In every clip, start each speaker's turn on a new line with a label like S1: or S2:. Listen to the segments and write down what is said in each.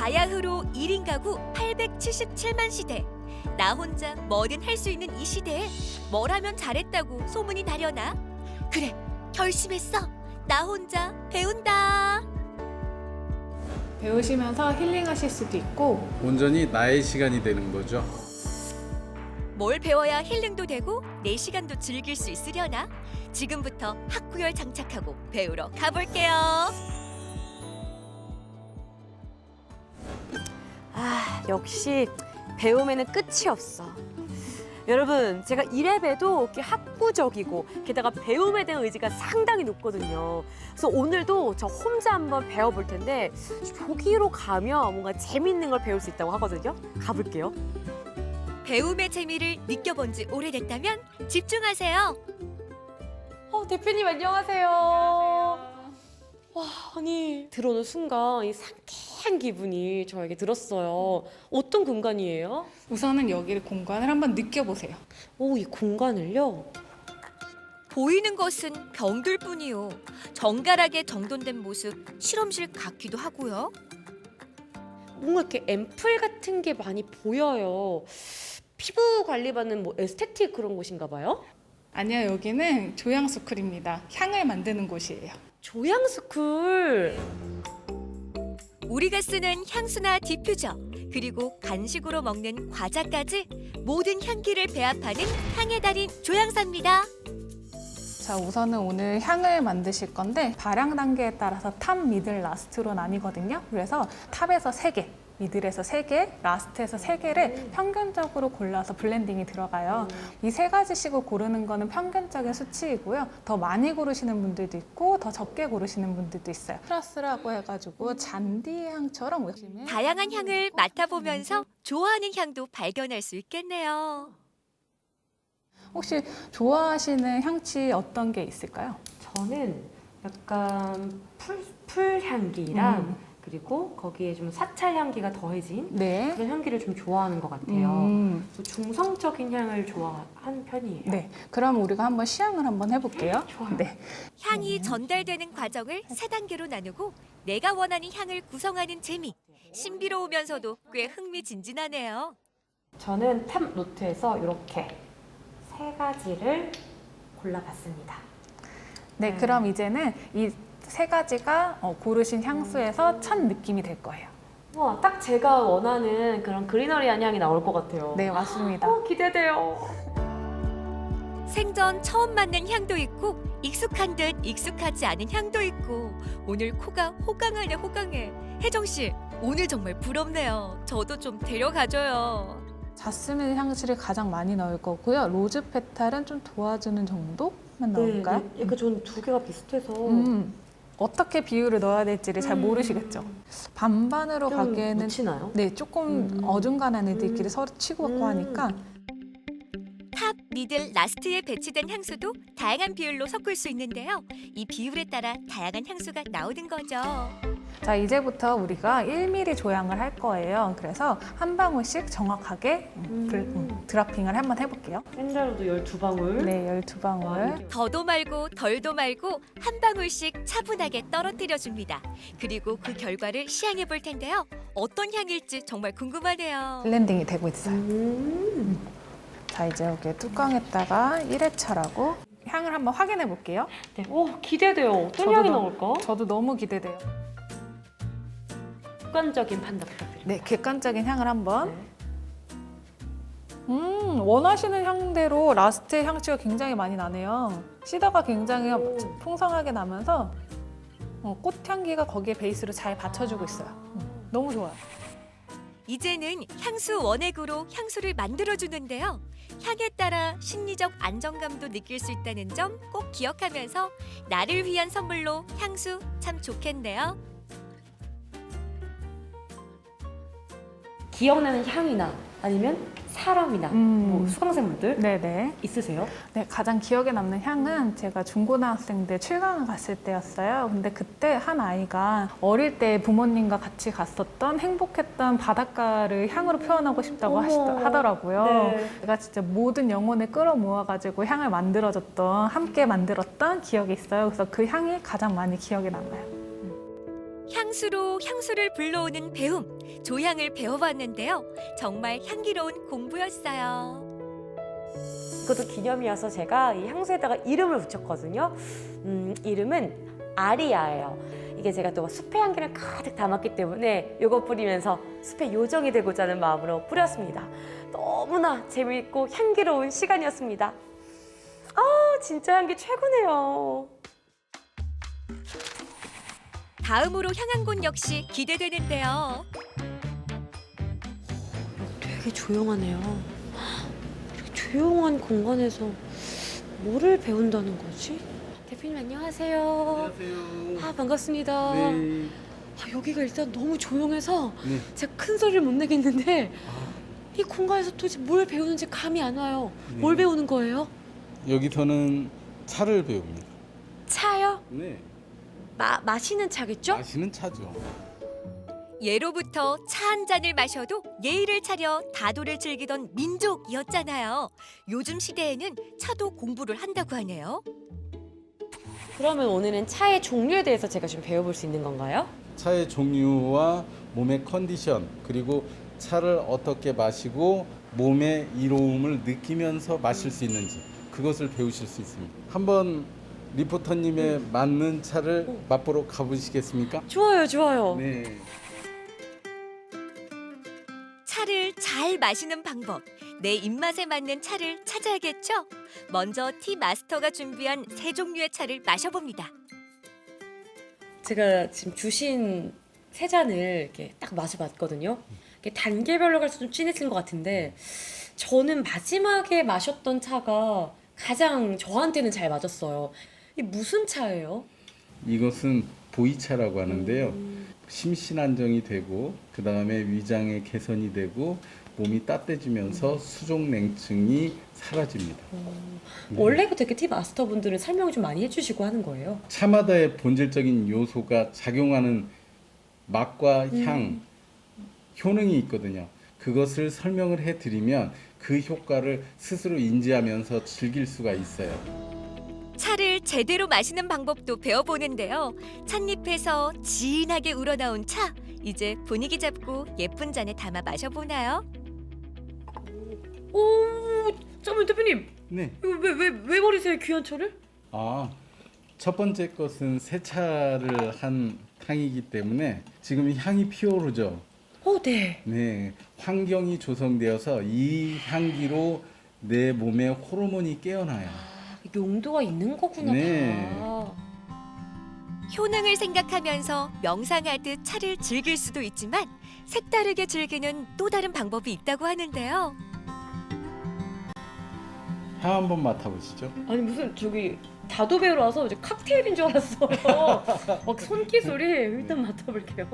S1: 바야흐로 1인 가구 877만 시대. 나 혼자 뭐든 할 수 있는 이 시대에 뭘 하면 잘했다고 소문이 나려나? 그래, 결심했어. 나 혼자 배운다.
S2: 배우시면서 힐링하실 수도 있고
S3: 온전히 나의 시간이 되는 거죠.
S1: 뭘 배워야 힐링도 되고 내 시간도 즐길 수 있으려나? 지금부터 학구열 장착하고 배우러 가볼게요.
S4: 역시 배움에는 끝이 없어. 여러분, 제가 이래봬도 이렇게 학구적이고 게다가 배움에 대한 의지가 상당히 높거든요. 그래서 오늘도 저 혼자 한번 배워볼 텐데 저기로 가면 뭔가 재밌는 걸 배울 수 있다고 하거든요. 가볼게요.
S1: 배움의 재미를 느껴본 지 오래됐다면 집중하세요.
S4: 대표님 안녕하세요. 와, 아니 들어오는 순간 이 상쾌한 기분이 저에게 들었어요. 어떤 공간이에요?
S2: 우선은 여기 공간을 한번 느껴보세요.
S4: 오, 이 공간을요?
S1: 보이는 것은 병들뿐이요. 정갈하게 정돈된 모습 실험실 같기도 하고요.
S4: 뭔가 이렇게 앰플 같은 게 많이 보여요. 피부 관리받는 뭐 에스테틱 그런 곳인가 봐요?
S2: 아니요, 여기는 조향스쿨입니다. 향을 만드는 곳이에요.
S4: 조향스쿨.
S1: 우리가 쓰는 향수나 디퓨저, 그리고 간식으로 먹는 과자까지 모든 향기를 배합하는 향의 달인 조향사입니다.
S2: 자, 우선은 오늘 향을 만드실 건데 발향 단계에 따라서 탑, 미들, 라스트로 나뉘거든요. 그래서 탑에서 3개, 미들에서 3개, 라스트에서 3개를 평균적으로 골라서 블렌딩이 들어가요. 이 3가지씩을 고르는 거는 평균적인 수치이고요. 더 많이 고르시는 분들도 있고 더 적게 고르시는 분들도 있어요. 플러스라고 해가지고 잔디 향처럼 보시면
S1: 다양한 향을 맡아보면서 좋아하는 향도 발견할 수 있겠네요.
S2: 혹시 좋아하시는 향취 어떤 게 있을까요?
S4: 저는 약간 풀 향기랑 그리고 거기에 좀 사찰 향기가 더해진
S2: 네.
S4: 그런 향기를 좀 좋아하는 것 같아요. 중성적인 향을 좋아하는 편이에요.
S2: 네. 그럼 우리가 한번 시향을 한번 해볼게요.
S4: 좋아요.
S2: 네.
S1: 향이 전달되는 과정을 3단계로 나누고 내가 원하는 향을 구성하는 재미. 신비로우면서도 꽤 흥미진진하네요.
S4: 저는 탑 노트에서 이렇게 3가지를 골라봤습니다.
S2: 네, 그럼 이제는 이 3가지가 고르신 향수에서 첫 느낌이 될 거예요.
S4: 와, 딱 제가 원하는 그런 그리너리한 향이 나올 것 같아요.
S2: 네, 맞습니다.
S4: 기대돼요.
S1: 생전 처음 맡는 향도 있고 익숙한 듯 익숙하지 않은 향도 있고 오늘 코가 호강하네 호강해. 혜정 씨, 오늘 정말 부럽네요. 저도 좀 데려가줘요.
S2: 자스민 향수를 가장 많이 넣을 거고요. 로즈 페탈은 좀 도와주는 정도만 넣을까요?
S4: 네, 약간 저는 2개가 비슷해서
S2: 어떻게 비율을 넣어야 될지를 잘 모르시겠죠? 반반으로
S4: 좀
S2: 가기에는
S4: 묻히나요?
S2: 네, 조금 어중간한 애들끼리 서로 치고받고 하니까
S1: 탑, 미들, 라스트에 배치된 향수도 다양한 비율로 섞을 수 있는데요. 이 비율에 따라 다양한 향수가 나오는 거죠.
S2: 자, 이제부터 우리가 1mm 조향을 할 거예요. 그래서 한 방울씩 정확하게 드라핑을 한번 해볼게요.
S4: 샌자로도 12방울.
S2: 네, 12방울.
S1: 더도 말고 덜도 말고 한 방울씩 차분하게 떨어뜨려 줍니다. 그리고 그 결과를 시향해 볼 텐데요. 어떤 향일지 정말 궁금하네요.
S2: 블렌딩이 되고 있어요. 자, 이제 여기 뚜껑에다가 1회차라고 향을 한번 확인해 볼게요.
S4: 네. 기대돼요. 어떤 향이 나올까?
S2: 저도 너무 기대돼요.
S4: 객관적인 판단 부탁드립니다.
S2: 네, 객관적인 향을 한번.
S4: 네.
S2: 원하시는 향대로 라스트의 향취가 굉장히 많이 나네요. 시더가 굉장히 풍성하게 나면서 꽃향기가 거기에 베이스로 잘 받쳐주고 있어요. 너무 좋아요.
S1: 이제는 향수 원액으로 향수를 만들어주는데요. 향에 따라 심리적 안정감도 느낄 수 있다는 점 꼭 기억하면서 나를 위한 선물로 향수 참 좋겠네요.
S4: 기억나는 향이나 아니면 사람이나 뭐 수강생분들
S2: 네네.
S4: 있으세요?
S2: 네, 가장 기억에 남는 향은 제가 중고등학생 때 출강을 갔을 때였어요. 근데 그때 한 아이가 어릴 때 부모님과 같이 갔었던 행복했던 바닷가를 향으로 표현하고 싶다고 하더라고요.
S4: 네.
S2: 제가 진짜 모든 영혼을 끌어모아가지고 향을 만들어줬던, 함께 만들었던 기억이 있어요. 그래서 그 향이 가장 많이 기억에 남아요.
S1: 향수로 향수를 불러오는 배움, 조향을 배워봤는데요. 정말 향기로운 공부였어요.
S4: 그것도 기념이어서 제가 이 향수에다가 이름을 붙였거든요. 이름은 아리아예요. 이게 제가 또 숲의 향기를 가득 담았기 때문에 이거 뿌리면서 숲의 요정이 되고자 하는 마음으로 뿌렸습니다. 너무나 재미있고 향기로운 시간이었습니다. 아, 진짜 향기 최고네요.
S1: 다음으로 향한 곳 역시 기대되는데요.
S4: 되게 조용하네요. 이렇게 조용한 공간에서 뭐를 배운다는 거지? 대표님 안녕하세요.
S3: 안녕하세요.
S4: 아, 반갑습니다.
S3: 네.
S4: 아, 여기가 일단 너무 조용해서
S3: 네.
S4: 제가 큰 소리를 못 내겠는데
S3: 아,
S4: 이 공간에서 도대체 뭘 배우는지 감이 안 와요.
S3: 네.
S4: 뭘 배우는 거예요?
S3: 여기서는 차를 배웁니다.
S4: 차요?
S3: 네.
S4: 마시는 차겠죠?
S3: 마시는 차죠.
S1: 예로부터 차 한 잔을 마셔도 예의를 차려 다도를 즐기던 민족이었잖아요. 요즘 시대에는 차도 공부를 한다고 하네요.
S4: 그러면 오늘은 차의 종류에 대해서 제가 좀 배워볼 수 있는 건가요?
S3: 차의 종류와 몸의 컨디션, 그리고 차를 어떻게 마시고 몸의 이로움을 느끼면서 마실 수 있는지 그것을 배우실 수 있습니다. 한번 리포터님의 맞는 차를 맛보러 가보시겠습니까?
S4: 좋아요, 좋아요.
S3: 네.
S1: 차를 잘 마시는 방법, 내 입맛에 맞는 차를 찾아야겠죠? 먼저 티 마스터가 준비한 세 종류의 차를 마셔봅니다.
S4: 제가 지금 주신 세 잔을 이렇게 딱 마셔봤거든요. 이게 단계별로 갈수록 좀 진해진 것 같은데 저는 마지막에 마셨던 차가 가장 저한테는 잘 맞았어요. 이게 무슨 차예요?
S3: 이것은 보이차라고 하는데요. 심신 안정이 되고 그 다음에 위장의 개선이 되고 몸이 따뜻해지면서 수족 냉증이 사라집니다. 네.
S4: 원래부터 이렇게 티 마스터분들은 설명을 좀 많이 해주시고 하는 거예요.
S3: 차마다의 본질적인 요소가 작용하는 맛과 향, 효능이 있거든요. 그것을 설명을 해드리면 그 효과를 스스로 인지하면서 즐길 수가 있어요.
S1: 차를 제대로 마시는 방법도 배워보는데요. 찻잎에서 진하게 우러나온 차, 이제 분위기 잡고 예쁜 잔에 담아 마셔보나요?
S4: 오, 잠깐만 대표님,
S3: 네.
S4: 이거 왜 버리세요 귀한 차를?
S3: 첫 번째 것은 세차를 한 탕이기 때문에 지금 향이 피어오르죠.
S4: 네.
S3: 네, 환경이 조성되어서 이 향기로 내 몸의 호르몬이 깨어나요.
S4: 용도가 있는 거구나.
S3: 네.
S4: 다.
S1: 효능을 생각하면서 명상하듯 차를 즐길 수도 있지만 색다르게 즐기는 또 다른 방법이 있다고 하는데요.
S3: 향 한번 맡아보시죠.
S4: 아니 무슨 저기 다도 배우러 와서 이제 칵테일인 줄 알았어요. 막 손기술이 일단 맡아볼게요.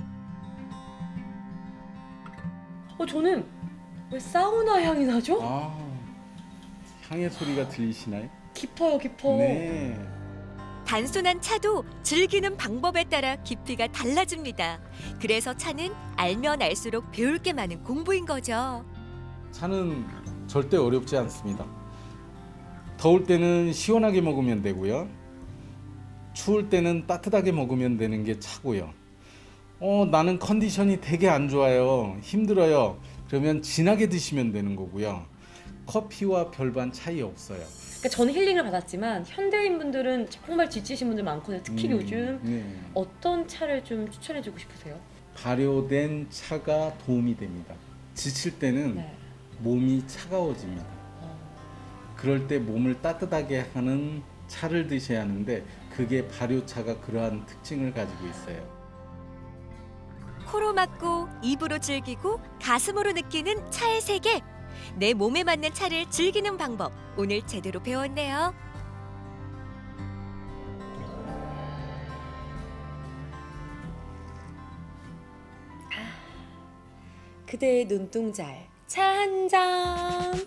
S4: 저는 왜 사우나 향이 나죠?
S3: 향의 소리가 들리시나요?
S4: 깊어요, 깊어.
S3: 네.
S1: 단순한 차도 즐기는 방법에 따라 깊이가 달라집니다. 그래서 차는 알면 알수록 배울 게 많은 공부인 거죠.
S3: 차는 절대 어렵지 않습니다. 더울 때는 시원하게 먹으면 되고요. 추울 때는 따뜻하게 먹으면 되는 게 차고요. 나는 컨디션이 되게 안 좋아요. 힘들어요. 그러면 진하게 드시면 되는 거고요. 커피와 별반 차이 없어요.
S4: 그러니까 저는 힐링을 받았지만 현대인 분들은 정말 지치신 분들 많거든요. 특히 요즘
S3: 네.
S4: 어떤 차를 좀 추천해주고 싶으세요?
S3: 발효된 차가 도움이 됩니다. 지칠 때는
S4: 네.
S3: 몸이 차가워집니다. 그럴 때 몸을 따뜻하게 하는 차를 드셔야 하는데 그게 발효차가 그러한 특징을 가지고 있어요.
S1: 코로 맡고 입으로 즐기고 가슴으로 느끼는 차의 세계. 내 몸에 맞는 차를 즐기는 방법 오늘 제대로 배웠네요.
S4: 그대의 눈동자에 차 한 잔.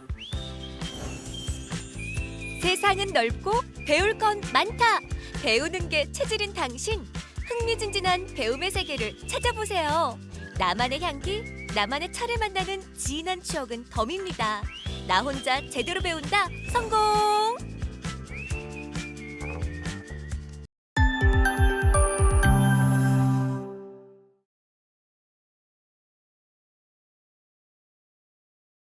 S1: 세상은 넓고 배울 건 많다. 배우는 게 체질인 당신. 흥미진진한 배움의 세계를 찾아보세요. 나만의 향기, 나만의 차를 만나는 진한 추억은 덤입니다. 나 혼자 제대로 배운다. 성공!